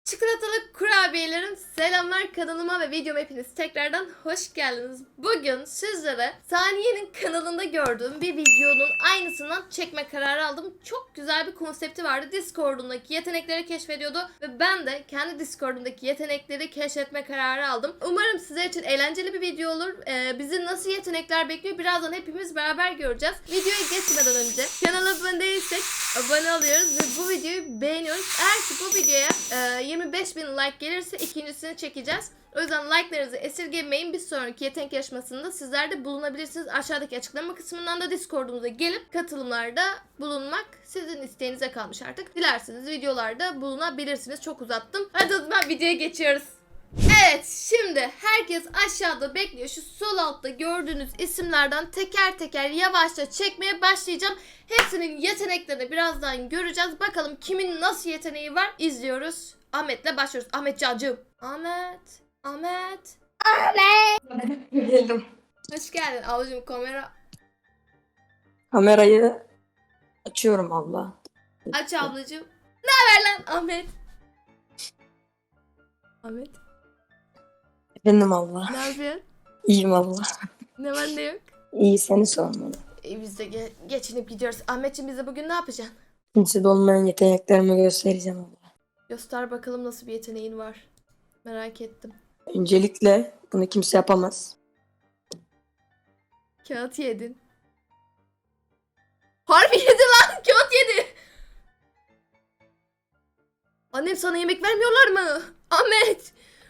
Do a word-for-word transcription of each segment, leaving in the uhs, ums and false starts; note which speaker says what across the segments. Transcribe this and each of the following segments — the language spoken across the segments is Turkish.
Speaker 1: Çikolatalı kurabiyelerim, selamlar kanalıma ve videoma hepiniz tekrardan hoş geldiniz. Bugün sizlere Saniye'nin kanalında gördüğüm bir videonun aynısından çekme kararı aldım. Çok güzel bir konsepti vardı. Discord'undaki yetenekleri keşfediyordu ve ben de kendi Discord'undaki yetenekleri keşfetme kararı aldım. Umarım sizler için eğlenceli bir video olur. Ee, bizi nasıl yetenekler bekliyor birazdan hepimiz beraber göreceğiz. Videoya geçmeden önce kanala abone değilsek abone oluyoruz ve bu videoyu beğeniyoruz. Eğer ki bu videoya e, yirmi beş bin like gelirse ikincisini çekeceğiz. O yüzden like'larınızı esirgemeyin. Bir sonraki yetenek yarışmasında sizler de bulunabilirsiniz. Aşağıdaki açıklama kısmından da Discord'umuza gelip katılımlarda bulunmak sizin isteğinize kalmış artık. Dilerseniz videolarda bulunabilirsiniz. Çok uzattım. Hadi o zaman videoya geçiyoruz. Evet, şimdi herkes aşağıda bekliyor. Şu sol altta gördüğünüz isimlerden teker teker yavaşça çekmeye başlayacağım. Hepsinin yeteneklerini birazdan göreceğiz. Bakalım kimin nasıl yeteneği var izliyoruz. Ahmet'le başlıyoruz. Ahmet Cancığım. Ahmet. Ahmet.
Speaker 2: Ahmet. Geldim.
Speaker 1: Hoş geldin ablacığım, kamera.
Speaker 2: Kamerayı açıyorum abla.
Speaker 1: Aç ablacığım. Ne haber lan Ahmet? Ahmet.
Speaker 2: Efendim abla.
Speaker 1: Ne yapıyorsun?
Speaker 2: İyiyim abla.
Speaker 1: Ne var ne yok?
Speaker 2: İyi, seni sormalı.
Speaker 1: E, biz de ge- geçinip gidiyoruz. Ahmetciğim, bize bugün ne yapacaksın?
Speaker 2: Kimsede olmayan yeteneklerimi göstereceğim abla.
Speaker 1: Göster bakalım nasıl bir yeteneğin var. Merak ettim.
Speaker 2: Öncelikle bunu kimse yapamaz.
Speaker 1: Kağıt yedin. Harbi yedi lan. Kağıt yedi. Annem, sana yemek vermiyorlar mı? Ahmet.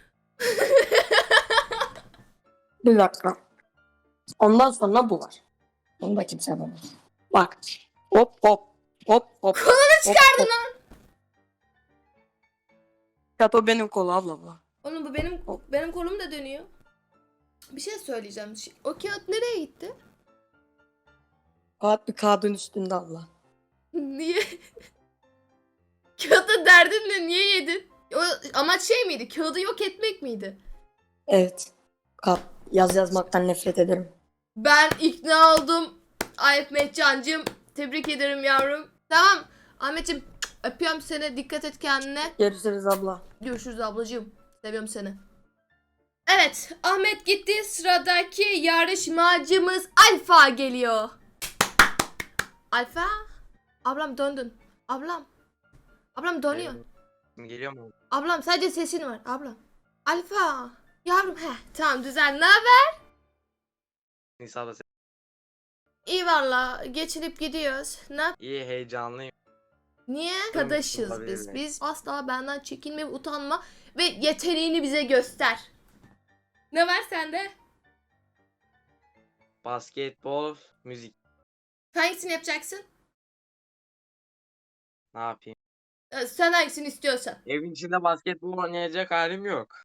Speaker 2: Bir dakika. Ondan sonra bu var. Bunu da kimse yapamaz. Bak. Hop hop. Hop hop.
Speaker 1: Kolunu çıkardın
Speaker 2: lan. Çato benim kolu abla bu.
Speaker 1: Oğlum, bu benim benim kolum da dönüyor. Bir şey söyleyeceğim. O kağıt nereye gitti?
Speaker 2: Kağıt bir kağıdın üstünde abla.
Speaker 1: Niye? Kağıdı derdin ne? Niye yedin? O amaç şey miydi? Kağıdı yok etmek miydi?
Speaker 2: Evet. Kağıt. Yaz yazmaktan nefret ederim.
Speaker 1: Ben ikna oldum. Ahmet Cancığım. Tebrik ederim yavrum. Tamam. Ahmetciğim, öpüyorum seni. Dikkat et kendine.
Speaker 2: Görüşürüz abla.
Speaker 1: Görüşürüz ablacığım. Seviyorum seni. Evet. Ahmet gitti. Sıradaki yarışmacımız Alfa geliyor. Alfa. Ablam döndün. Ablam. Ablam dönüyor.
Speaker 3: Geliyor mu?
Speaker 1: Ablam sadece sesin var. Ablam. Alfa. Yavrum, he. Tamam, düzel. Ne haber?
Speaker 3: Nisa da
Speaker 1: İyi valla. Geçinip gidiyoruz. Ne yap-
Speaker 3: iyi, heyecanlıyım.
Speaker 1: Niye? Arkadaşız
Speaker 3: olabilir
Speaker 1: biz.
Speaker 3: mi?
Speaker 1: Biz asla benden çekinme ve utanma ve yeteneğini bize göster. Ne var sende?
Speaker 3: Basketbol, müzik.
Speaker 1: Hangisini yapacaksın?
Speaker 3: Ne yapayım?
Speaker 1: Ee, Sen hangisini istiyorsan.
Speaker 3: Evin içinde basketbol oynayacak halim yok.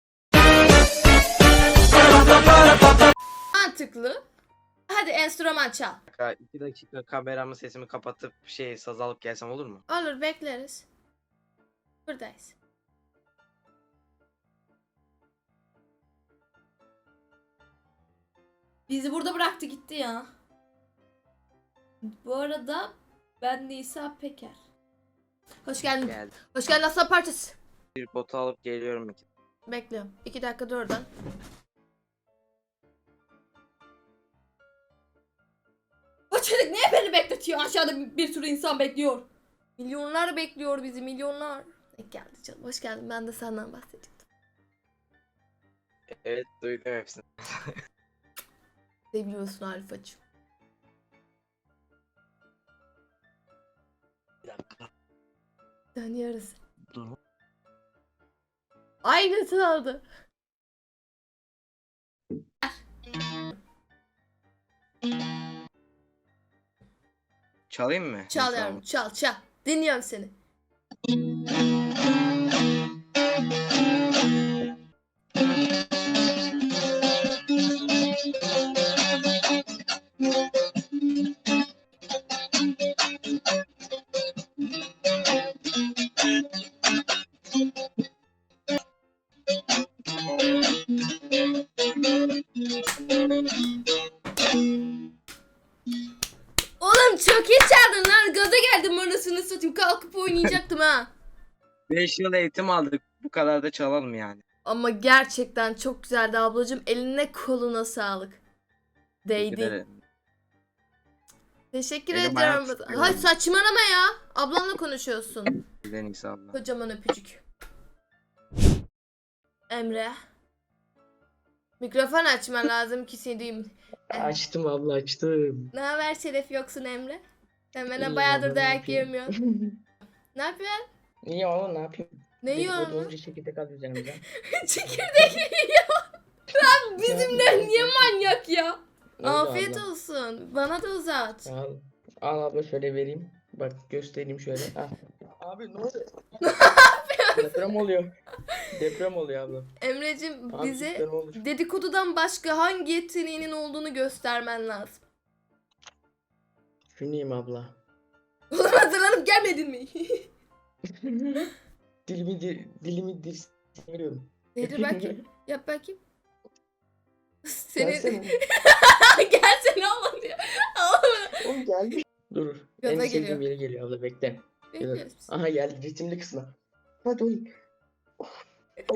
Speaker 1: Mantıklı. Hadi enstrüman çal.
Speaker 3: Ka- İki dakika kameramı sesimi kapatıp şey saz alıp gelsem olur mu?
Speaker 1: Olur, bekleriz. Buradayız. Bizi burada bıraktı gitti ya. Bu arada ben Nisa Peker. Hoş geldin.
Speaker 3: Geldim.
Speaker 1: Hoş geldin aslan parçası.
Speaker 3: Bir botu alıp geliyorum.
Speaker 1: Bekliyorum. İki dakika dur oradan. O çocuk niye beni bekletiyor? Aşağıda bir, bir sürü insan bekliyor. Milyonlar bekliyor bizi, milyonlar. Ne geldi canım. Hoş geldin. Ben de senden bahsedecektim.
Speaker 3: Evet, duydum hepsini.
Speaker 1: Seviyorsun Alfacığım.
Speaker 3: Bir dakika.
Speaker 1: Dönüyoruz.
Speaker 3: Dur.
Speaker 1: Aynısını aldı.
Speaker 3: Çalayım mı?
Speaker 1: Çal
Speaker 3: Nisa
Speaker 1: yavrum,
Speaker 3: abla?
Speaker 1: çal çal. Dinliyorum seni. Oğlum çok iyi çaldın lan. Gaza geldim, anasını satayım. Kalkıp oynayacaktım ha.
Speaker 3: beş yıl eğitim aldık. Bu kadar da çalalım yani.
Speaker 1: Ama gerçekten çok güzeldi ablacığım. Eline koluna sağlık.
Speaker 3: Teşekkür
Speaker 1: Değdi.
Speaker 3: ederim.
Speaker 1: Teşekkür
Speaker 3: Elim
Speaker 1: ediyorum.
Speaker 3: ayağım titriyor.
Speaker 1: Hay saçmalama ya. Ablanla konuşuyorsun.
Speaker 3: En iyisi abla.
Speaker 1: Kocaman öpücük. Emre. Mikrofon açman lazım ki seni duyayım.
Speaker 4: Açtım abla açtım.
Speaker 1: Ne haber Şeref yoksun Emre? Sen bana
Speaker 4: İyiyim
Speaker 1: bayağıdır
Speaker 4: abla, ne
Speaker 1: dayak
Speaker 4: yapayım?
Speaker 1: yemiyorsun. Ne yapıyorsun?
Speaker 4: İyi ama ne yapayım?
Speaker 1: Ne yiyorsun?
Speaker 4: Dedikodu çekirdek al üzerimizden.
Speaker 1: Çekirdek yiyor. Lan bizimle niye manyak ya?
Speaker 4: Öyle
Speaker 1: Afiyet
Speaker 4: abla.
Speaker 1: olsun. Bana da uzat.
Speaker 4: Al. Al abla şöyle vereyim. Bak göstereyim şöyle. Al. Abi ne oluyor? Deprem oluyor. Deprem oluyor abla.
Speaker 1: Emre'cim
Speaker 4: Abi
Speaker 1: bize
Speaker 4: deprem olur.
Speaker 1: dedikodudan başka hangi yeteneğinin olduğunu göstermen lazım.
Speaker 4: Şunuyum abla.
Speaker 1: Oğlum hazırlanıp gelmedin mi?
Speaker 4: dilimi dil, dilimi dil seviyorum.
Speaker 1: Nedir bakayım? Yap bakayım. Seni...
Speaker 4: Gelsene.
Speaker 1: Gelsene oğlum diyor. Oğlum.
Speaker 4: Oğlum gelmiş. Dur.
Speaker 1: Gaza
Speaker 4: En sevdiğim
Speaker 1: geliyor.
Speaker 4: yere geliyor abla bekle.
Speaker 1: Bekliyoruz biz.
Speaker 4: Aha geldi ritimli kısmı. Hadi oğlum. Oh, oh,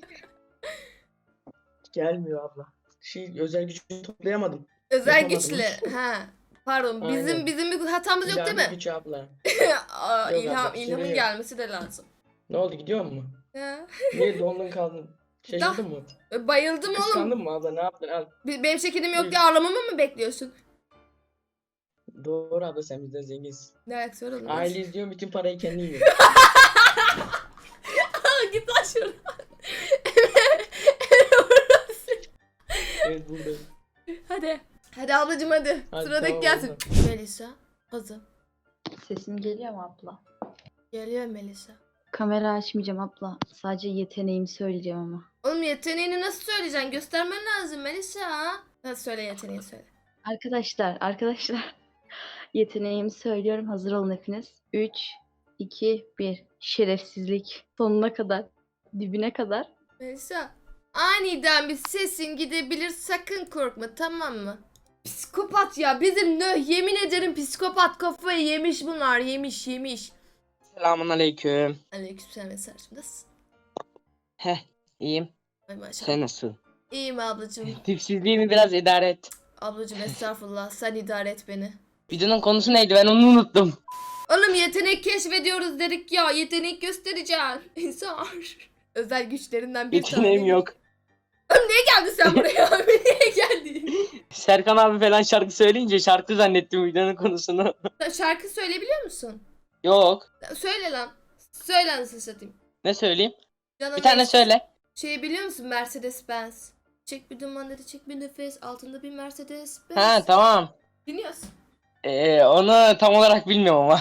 Speaker 4: Gelmiyor abla. Şey özel gücünü toplayamadım.
Speaker 1: Özel
Speaker 4: Yapamadım.
Speaker 1: güçle. Ha. Pardon. Bizim
Speaker 4: Aynen.
Speaker 1: bizim bir hatamız yok değil
Speaker 4: İlhami
Speaker 1: mi?
Speaker 4: güç abla.
Speaker 1: Aa,
Speaker 4: Yok
Speaker 1: ilham,
Speaker 4: abla,
Speaker 1: ilhamın
Speaker 4: şimdi-
Speaker 1: gelmesi de lazım.
Speaker 4: Ne oldu gidiyor mu?
Speaker 1: Ha.
Speaker 4: Niye dondun kaldın? Şaşırdın mı?
Speaker 1: Bayıldım oğlum.
Speaker 4: Kıskandın mı abla ne yaptın? Al.
Speaker 1: Be- Benim şekerim yok
Speaker 4: Buyur.
Speaker 1: diye ağlamamı mı bekliyorsun?
Speaker 4: Doğru abla sen bizden zenginsin.
Speaker 1: Ne alakası var oğlum?
Speaker 4: Aile izliyor bütün parayı kendin yiyor.
Speaker 1: Aa, git lan şuradan.
Speaker 4: Evet buradayım.
Speaker 1: Hadi. Hadi ablacım hadi.
Speaker 4: Hadi,
Speaker 1: Sıradaki
Speaker 4: tamam,
Speaker 1: gelsin.
Speaker 4: oldu.
Speaker 1: Melisa. Kızım.
Speaker 5: Sesim geliyor mu abla?
Speaker 1: Geliyor Melisa.
Speaker 5: Kamera açmayacağım abla. Sadece yeteneğimi söyleyeceğim ama.
Speaker 1: Oğlum yeteneğini nasıl söyleyeceksin? Göstermen lazım Melisa. Hadi söyle yeteneğini söyle.
Speaker 5: Arkadaşlar, arkadaşlar. Yeteneğimi söylüyorum. Hazır olun hepiniz. üç, iki, bir. Şerefsizlik. Sonuna kadar. Dibine kadar.
Speaker 1: Melisa. Aniden bir sesin gidebilir, sakın korkma, tamam mı? Psikopat ya, bizim nöh, yemin ederim psikopat, kafayı yemiş bunlar, yemiş yemiş.
Speaker 3: Selamun aleyküm.
Speaker 1: Aleykümselam mesajım, nasılsın?
Speaker 3: Heh iyiyim.
Speaker 1: Ay maşallah.
Speaker 3: Sen nasılsın?
Speaker 1: İyiyim ablacığım.
Speaker 3: Tipsizliğimi biraz idare et.
Speaker 1: Ablacığım estağfurullah, sen idare et beni.
Speaker 3: Videonun konusu neydi ben onu unuttum.
Speaker 1: Oğlum yetenek keşfediyoruz dedik ya, yetenek göstereceksin. İnsan. Özel güçlerinden bir
Speaker 3: Yeteneğim
Speaker 1: tane.
Speaker 3: yok.
Speaker 1: Oğlum niye geldin sen buraya? Niye geldin?
Speaker 3: Serkan abi falan şarkı söyleyince şarkı zannettim videonun konusunu.
Speaker 1: Sen şarkı söyleyebiliyor musun?
Speaker 3: Yok.
Speaker 1: Söyle lan. Söyle nasıl satayım.
Speaker 3: Ne söyleyeyim?
Speaker 1: Canım
Speaker 3: Bir tane
Speaker 1: ne-
Speaker 3: söyle.
Speaker 1: Şey biliyor musun Mercedes Benz? Çek bir duman dedi, çek bir nefes, altında bir Mercedes Benz.
Speaker 3: Ha tamam.
Speaker 1: Dinliyorsun.
Speaker 3: Ee, onu tam olarak bilmiyorum ama.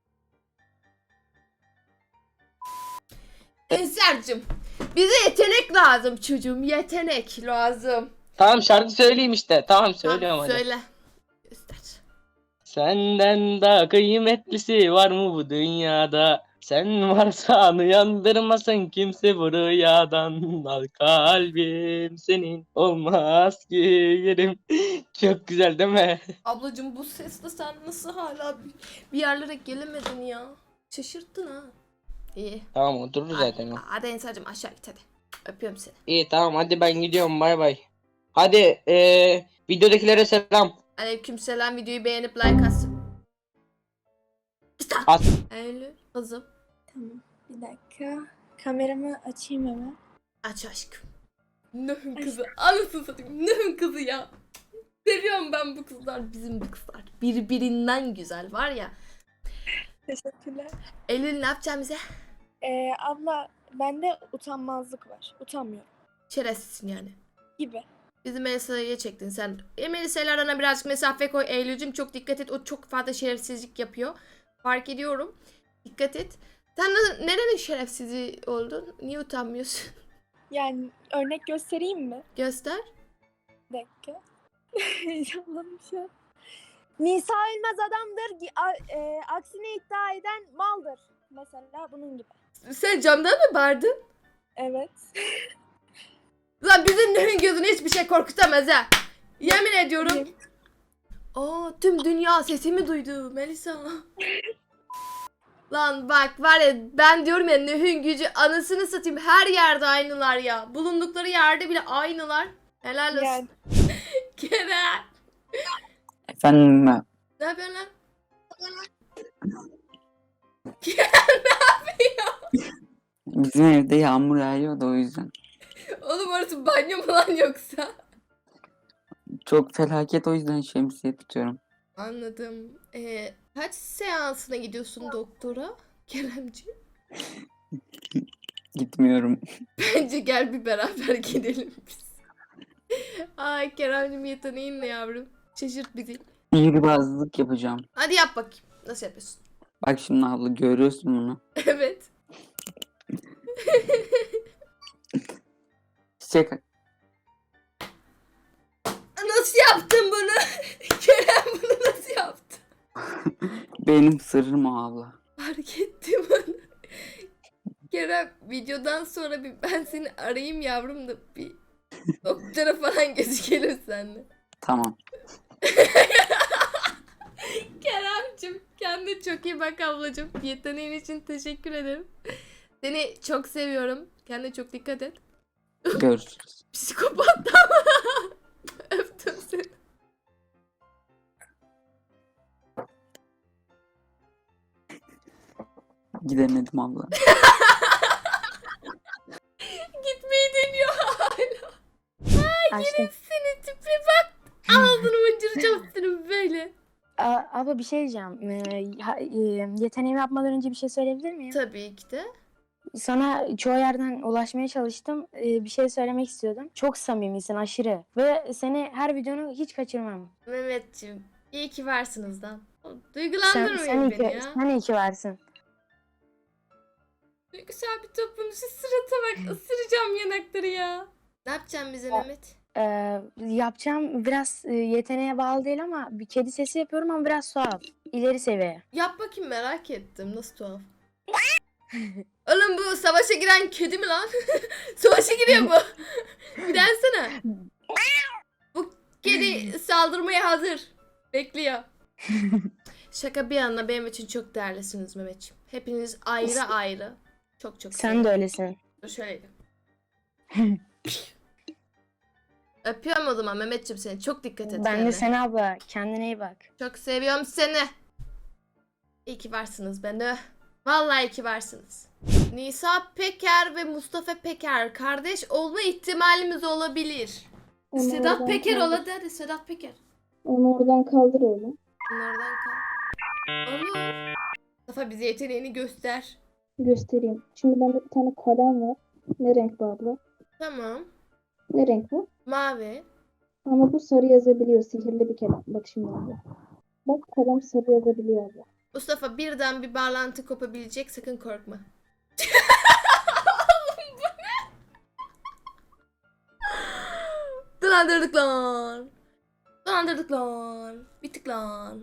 Speaker 1: Ensar'cığım, bize yetenek lazım çocuğum, yetenek lazım.
Speaker 3: Tamam şarkı söyleyeyim işte. Tamam söylüyorum
Speaker 1: Tamam,
Speaker 3: hadi.
Speaker 1: söyle. Göster.
Speaker 3: Senden daha kıymetlisi var mı bu dünyada? Sen varsan uyandırmasın kimse bu rüyadan. Al kalbim senin olmaz ki yerim. Çok güzel değil mi?
Speaker 1: Ablacığım bu sesle sen nasıl hala bir, bir yerlere gelemedin ya? Şaşırttın ha. İyi.
Speaker 3: Tamam oturur zaten o.
Speaker 1: Hadi, hadi Ensar'cığım aşağı git hadi. Öpüyorum seni.
Speaker 3: İyi tamam hadi ben gidiyorum bay bay. Hadi eee videodakilere selam.
Speaker 1: Aleykümselam, videoyu beğenip like atsın.
Speaker 3: At.
Speaker 1: Eylül kızım.
Speaker 6: Tamam. Bir dakika. Kameramı açayım hemen.
Speaker 1: Aç aşkım. Nöhün kızı. Anasını satayım. Nöhün kızı ya. Seviyorum ben bu kızlar. Bizim bu kızlar. Birbirinden güzel var ya.
Speaker 6: Teşekkürler.
Speaker 1: Eylül ne yapacağım bize?
Speaker 6: Ee, abla bende utanmazlık var. Utanmıyorum.
Speaker 1: Şerefsizsin yani.
Speaker 6: Gibi.
Speaker 1: Bizim Melisa'ya çektin sen. E, Melisa'yla arana birazcık mesafe koy. Eylül'cüm çok dikkat et. O çok fazla şerefsizlik yapıyor. Fark ediyorum. Dikkat et. Sen na- nerenin şerefsizi oldun? Niye utanmıyorsun?
Speaker 6: Yani örnek göstereyim mi?
Speaker 1: Göster.
Speaker 6: Bir dakika. Heyecanlandım şu an. Nisa ölmez adamdır. gi- a- e, aksini iddia eden maldır. Mesela bunun gibi.
Speaker 1: Sen camdan mı bağırdın?
Speaker 6: Evet.
Speaker 1: Lan bizim Nöhün gözünü hiçbir şey korkutamaz ha. Yemin ediyorum.
Speaker 6: Yemin.
Speaker 1: Aa, tüm dünya sesimi duydu Melisa. Lan bak var ya ben diyorum ya Nühün gücü anasını satayım her yerde aynılar ya. Bulundukları yerde bile aynılar. Helal olsun.
Speaker 6: Yani.
Speaker 1: Kerem.
Speaker 2: Efendim
Speaker 1: Ne yapıyorsun lan?
Speaker 2: bizim evde yağmur yağıyor da o yüzden.
Speaker 1: Oğlum orası banyo mu lan yoksa?
Speaker 2: Çok felaket o yüzden şemsiye tutuyorum.
Speaker 1: Anladım. Ee, kaç seansına gidiyorsun doktora Keremciğim?
Speaker 2: Gitmiyorum.
Speaker 1: Bence gel bir beraber gidelim biz. Ay Keremciğim yeteneğin ne yavrum? Şaşırt bizi.
Speaker 2: Sihirbazlık yapacağım.
Speaker 1: Hadi yap bakayım. Nasıl yapıyorsun?
Speaker 2: Bak şimdi abla görüyorsun bunu.
Speaker 1: Evet.
Speaker 2: Çiçek
Speaker 1: Nasıl yaptın bunu? Kerem bunu nasıl yaptı?
Speaker 2: benim sırrım o abla.
Speaker 1: Fark ettim onu. Kerem videodan sonra bir ben seni arayayım yavrum da bir doktora falan gözükelim seninle.
Speaker 2: Tamam.
Speaker 1: Kerem'cim kendine çok iyi bak ablacığım. Yeteneğin için teşekkür ederim. Seni çok seviyorum. Kendine çok dikkat et.
Speaker 2: Görüşürüz.
Speaker 1: Psikopat ama. Öptüm seni.
Speaker 2: Gidemedim abla.
Speaker 1: Gitmeyi deniyor hala.
Speaker 6: Açtım.
Speaker 1: Seni tipi bak. Ağzını mıncıracağım senin böyle.
Speaker 6: Aa, abla bir şey diyeceğim. Ee, ha- e, yeteneğimi yapmadan önce bir şey söyleyebilir miyim?
Speaker 1: Tabii ki de.
Speaker 6: Sana çoğu yerden ulaşmaya çalıştım. Ee, bir şey söylemek istiyordum. Çok samimisin aşırı. Ve seni her videonu hiç kaçırmam.
Speaker 1: Mehmetciğim iyi ki varsınız lan.
Speaker 6: Sen,
Speaker 1: Duygulandırmayın
Speaker 6: sen, iyi
Speaker 1: beni
Speaker 6: ki,
Speaker 1: ya.
Speaker 6: sen iyi ki varsın.
Speaker 1: Duygusal bir toplum. Şu sırata bak. Isıracağım yanakları ya. Ne yapacaksın bize Mehmet?
Speaker 6: Ee, yapacağım biraz e, yeteneğe bağlı değil ama bir kedi sesi yapıyorum ama biraz tuhaf. İleri seviye.
Speaker 1: Yap bakayım merak ettim. Nasıl tuhaf? Oğlum bu savaşa giren kedi mi lan? Savaşa giriyor bu. Bir densene. Bu kedi saldırmaya hazır. Bekliyor. Şaka bir yana benim için çok değerlisiniz Mehmetciğim. Hepiniz ayrı ayrı. Çok çok
Speaker 6: Sen de öylesin.
Speaker 1: Dur şöyle. Öpüyorum o zaman Mehmetciğim seni. Çok dikkat et
Speaker 6: Ben
Speaker 1: kendine.
Speaker 6: de seni abla. Kendine iyi bak.
Speaker 1: Çok seviyorum seni. İyi ki varsınız beni. Vallahi iyi ki varsınız. Nisa Peker ve Mustafa Peker kardeş olma ihtimalimiz olabilir.
Speaker 7: Onu
Speaker 1: Sedat
Speaker 7: oradan
Speaker 1: Peker
Speaker 7: kaldır.
Speaker 1: ola hadi Sedat Peker.
Speaker 7: Onu oradan kaldır öyle.
Speaker 1: Bunlardan kal. Olur. Mustafa bize yeteneğini göster.
Speaker 7: Göstereyim. Şimdi bende bir tane kalem var. Ne renk bu abla?
Speaker 1: Tamam.
Speaker 7: Ne renk bu?
Speaker 1: Mavi.
Speaker 7: Ama bu sarı yazabiliyor. Sihirli bir kalem. Bak şimdi abla. Bak kalem sarı yazabiliyor abla.
Speaker 1: Mustafa birden bir bağlantı kopabilecek sakın korkma. Dolandırdık lan. Dolandırdık lan. Bittik lan.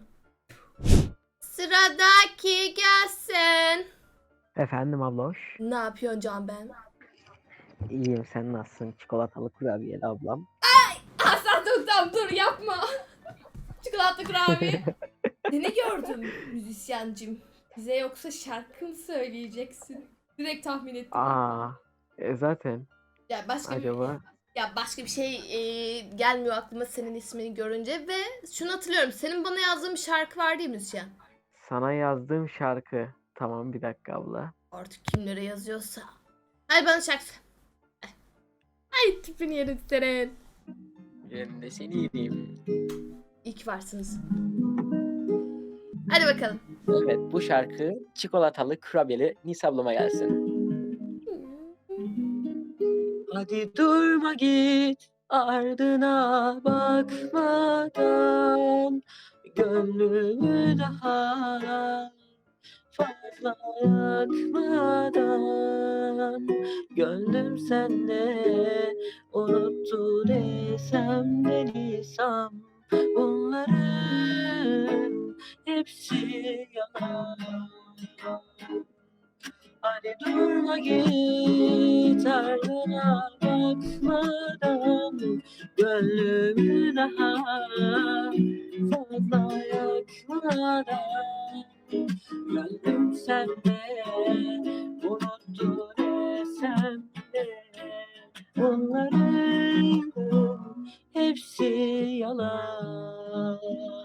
Speaker 1: Sıradaki gelsin.
Speaker 8: Efendim abloş.
Speaker 1: Ne yapıyorsun Can ben?
Speaker 8: İyiyim, sen nasılsın? Çikolatalı kurabiyeli ablam.
Speaker 1: Hasan dur tamam dur yapma. Çikolata kurabiye. Seni gördüm müzisyencim. Bize yoksa şarkı mı söyleyeceksin? Direkt tahmin ettim.
Speaker 8: Aa, e, zaten
Speaker 1: Ya başka bir
Speaker 8: acaba
Speaker 1: ya başka bir şey e, gelmiyor aklıma senin ismini görünce ve şunu hatırlıyorum. Senin bana yazdığın bir şarkı var değil mi müzisyen?
Speaker 8: sana yazdığım şarkı. Tamam, bir dakika abla.
Speaker 1: Artık kimlere yazıyorsa. Hadi bana şarkı söyle. Ay tipini yerim senin.
Speaker 3: Ben de seni yiyeyim.
Speaker 1: İyi ki varsınız. Hadi bakalım.
Speaker 3: Evet, bu şarkı çikolatalı kurabiyeli Nisa ablama gelsin. Hadi durma git ardına bakmadan, gönlümü daha fazla yakmadan, gönlüm sende unuttu desem de Nisam, bunların hepsi yalan. Hadi durma git ardına bakmadan, gönlümü daha fazla yakmadan, gönlüm
Speaker 9: desem de, unuttu desem de, bunların hepsi yalan.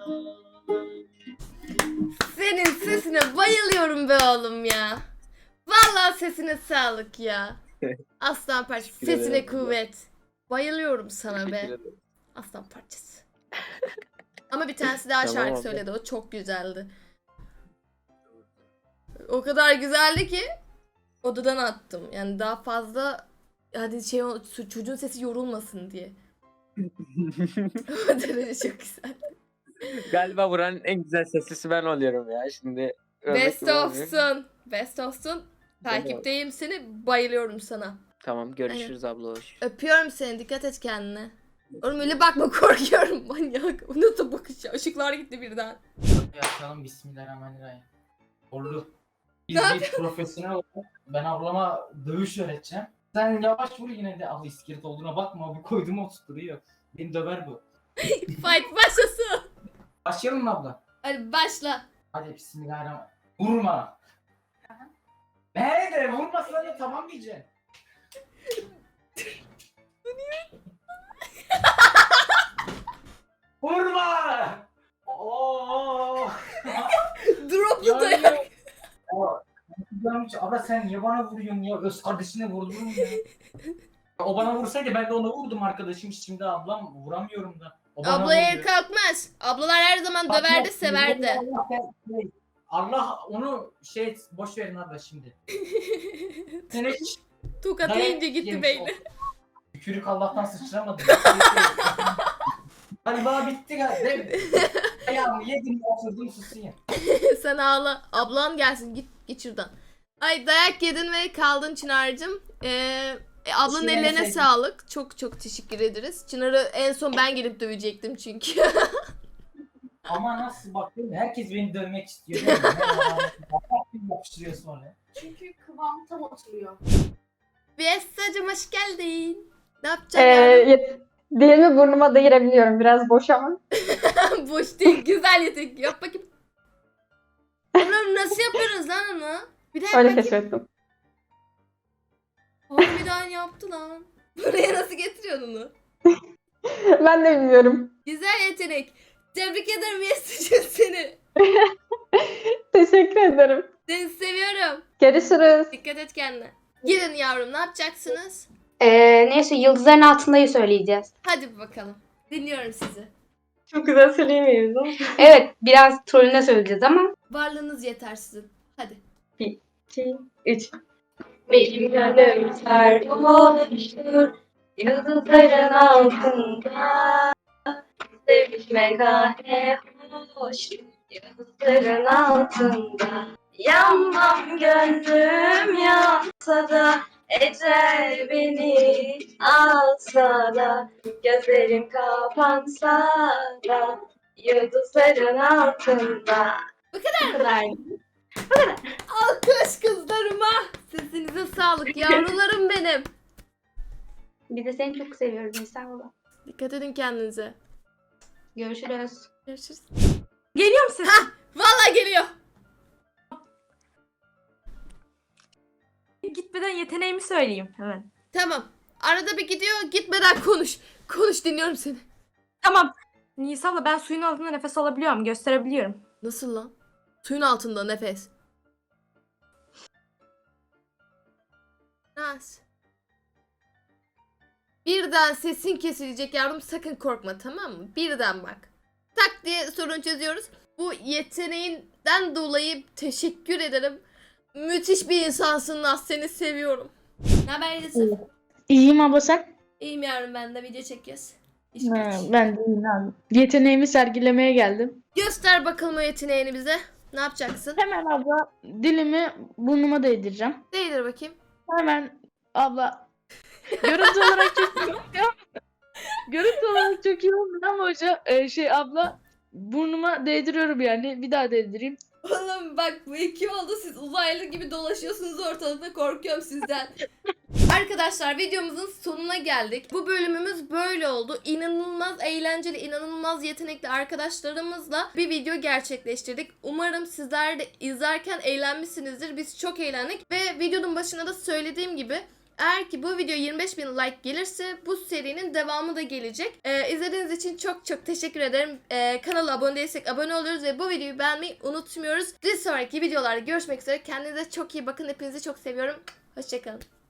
Speaker 1: Senin sesine bayılıyorum be oğlum ya. Vallahi sesine sağlık ya. Aslan parçası.
Speaker 3: Teşekkür
Speaker 1: Sesine
Speaker 3: ederim.
Speaker 1: kuvvet. Bayılıyorum sana be.
Speaker 3: Teşekkür ederim.
Speaker 1: Aslan parçası. Ama bir tanesi daha
Speaker 3: Tamam
Speaker 1: şarkı
Speaker 3: abla.
Speaker 1: söyledi. O çok güzeldi. O kadar güzeldi ki odadan attım. Yani daha fazla hadi şey ol- çocuğun sesi yorulmasın diye. O derece çok güzel.
Speaker 9: Galiba buranın en güzel seslisi ben oluyorum ya şimdi. övmek
Speaker 1: Best
Speaker 9: gibi olmuyor.
Speaker 1: of'sun. Best of'sun. Takipteyim seni. Bayılıyorum sana.
Speaker 9: Tamam görüşürüz abla hoş.
Speaker 1: Öpüyorum seni. Dikkat et kendine. Oğlum öyle bakma, korkuyorum manyak. O nasıl bakış ya? Işıklar gitti birden.
Speaker 10: Açalım bismillahirrahmanirrahim. Oldu. Biz
Speaker 1: Ne
Speaker 10: bir profesyonel olarak ben ablama dövüş öğreteceğim. Sen yavaş vur yine de abla iskelet olduğuna bakma abi koydum oturtuyor. Beni döver bu.
Speaker 1: Fight başlasın.
Speaker 10: Başlayalım mı abla?
Speaker 1: Hadi başla.
Speaker 10: Hadi bismillahirrahmanirrahim. Vurma. Nerede? Vurmasına da tamam diyeceksin. Vurma! Oo!
Speaker 1: Droplu
Speaker 10: Yani-
Speaker 1: dayak.
Speaker 10: Aa, yanlış. Abla sen niye bana vuruyorsun ya? Öz kardeşine vurdun mu ya? O bana vursaydı ben de ona vurdum arkadaşım. Şimdi ablam vuramıyorum da. O bana
Speaker 1: Abla el
Speaker 10: vuruyor.
Speaker 1: kalkmaz. Ablalar her zaman
Speaker 10: Bak,
Speaker 1: döverdi,
Speaker 10: yok,
Speaker 1: severdi.
Speaker 10: Allah, ben- Allah onu şey boş verin abla şimdi. Sen hiç
Speaker 1: Tokat
Speaker 10: dayak
Speaker 1: yiyince gitti
Speaker 10: yemiş
Speaker 1: beyni.
Speaker 10: ol- Tükürük Allah'tan sıçramadı. Galiba bitti galiba. Ayağımı yedim oturdum susayım.
Speaker 1: Sen ağla. Ablan gelsin, git git şuradan. Ay dayak yedin ve kaldın Çınar'cığım. Ee, e, ablanın
Speaker 10: Teşekkür
Speaker 1: ellerine
Speaker 10: ederim.
Speaker 1: sağlık. Çok çok teşekkür ederiz. Çınar'ı en son ben gelip dövecektim çünkü.
Speaker 10: Ama nasıl bakıyorum herkes beni dövmek istiyor. değil mi? Herkes yapıştırıyor sonra.
Speaker 6: Çünkü kıvam tam oturuyor.
Speaker 1: Viyesacığım hoş geldin. Ne
Speaker 2: Ee,
Speaker 1: yapacaksın yavrum?
Speaker 2: yet- dilimi burnuma değirebiliyorum. Biraz boş ama.
Speaker 1: Boş değil, güzel yetek. Yap bakayım. Oğlum nasıl yapıyoruz lan onu? Bir daha yap
Speaker 2: Öyle
Speaker 1: bakayım.
Speaker 2: keşfettim.
Speaker 1: Harbiden yaptı lan. Buraya nasıl getiriyorsun onu?
Speaker 2: Ben de bilmiyorum.
Speaker 1: Güzel yetenek. Tebrik ederim Viyesacığım seni.
Speaker 2: Teşekkür ederim.
Speaker 1: Seni seviyorum.
Speaker 2: Görüşürüz.
Speaker 1: Dikkat et kendine. Gidin yavrum, ne yapacaksınız?
Speaker 7: Ee, neyse yıldızların altındayı söyleyeceğiz.
Speaker 1: Hadi bakalım. Dinliyorum sizi.
Speaker 2: Çok güzel söyleyemiyoruz ama.
Speaker 7: Evet biraz trollüne söyleyeceğiz ama.
Speaker 1: Varlığınız yeter sizin. Hadi.
Speaker 2: iki, üç.
Speaker 7: Benim gönlüm sarhoştur yıldızların altında. Sevişmek ah ne hoş yıldızların altında. Yanmam gönlüm yansa da ecel beni alsa da gözlerim kapansa da yıldızların altında.
Speaker 1: Bu kadar.
Speaker 7: Bu kadar.
Speaker 1: Alkış kızlarıma. Sesinize sağlık yavrularım benim.
Speaker 7: Bir de seni çok seviyorum İstanbul'a.
Speaker 1: Dikkat edin kendinize.
Speaker 7: Görüşürüz.
Speaker 1: Görüşürüz.
Speaker 6: Geliyor mu ses?
Speaker 1: Vallahi geliyor.
Speaker 6: Gitmeden yeteneğimi söyleyeyim hemen.
Speaker 1: Tamam. Arada bir gidiyor, gitmeden konuş. Konuş, dinliyorum seni.
Speaker 6: Tamam. Nisa'la ben suyun altında nefes alabiliyorum. Gösterebiliyorum.
Speaker 1: Nasıl lan? Suyun altında nefes. Nasıl? Birden sesin kesilecek yavrum, sakın korkma, tamam mı? Birden bak. Tak diye sorun çözüyoruz. Bu yeteneğinden dolayı teşekkür ederim. Müthiş bir insansın Naz, seni seviyorum. Ne haber Yusuf?
Speaker 11: İyiyim abla sen?
Speaker 1: İyiyim yavrum, ben de video çekiyoruz. İş
Speaker 11: Ha,
Speaker 1: güç.
Speaker 11: ben de iyiyim abi. Yeteneğimi sergilemeye geldim.
Speaker 1: Göster bakalım o yeteneğini bize. Ne yapacaksın?
Speaker 11: Hemen abla dilimi burnuma değdireceğim.
Speaker 1: Değdir bakayım.
Speaker 11: Hemen abla görüntü olarak çok iyi olmuyor. Görüntü olarak çok iyi olmuyor ama hoca e, şey abla burnuma değdiriyorum yani. Bir daha değdireyim.
Speaker 1: Oğlum bak bu iki oldu, siz uzaylı gibi dolaşıyorsunuz ortalıkta, korkuyorum sizden. Arkadaşlar videomuzun sonuna geldik. Bu bölümümüz böyle oldu. İnanılmaz eğlenceli, inanılmaz yetenekli arkadaşlarımızla bir video gerçekleştirdik. Umarım sizler de izlerken eğlenmişsinizdir. Biz çok eğlendik ve videonun başına da söylediğim gibi eğer ki bu video yirmi beş bin like gelirse bu serinin devamı da gelecek. Ee, izlediğiniz için çok çok teşekkür ederim. Ee, kanala abone değilsek abone oluyoruz ve bu videoyu beğenmeyi unutmuyoruz. Bir sonraki videolarda görüşmek üzere. Kendinize çok iyi bakın. Hepinizi çok seviyorum. Hoşçakalın.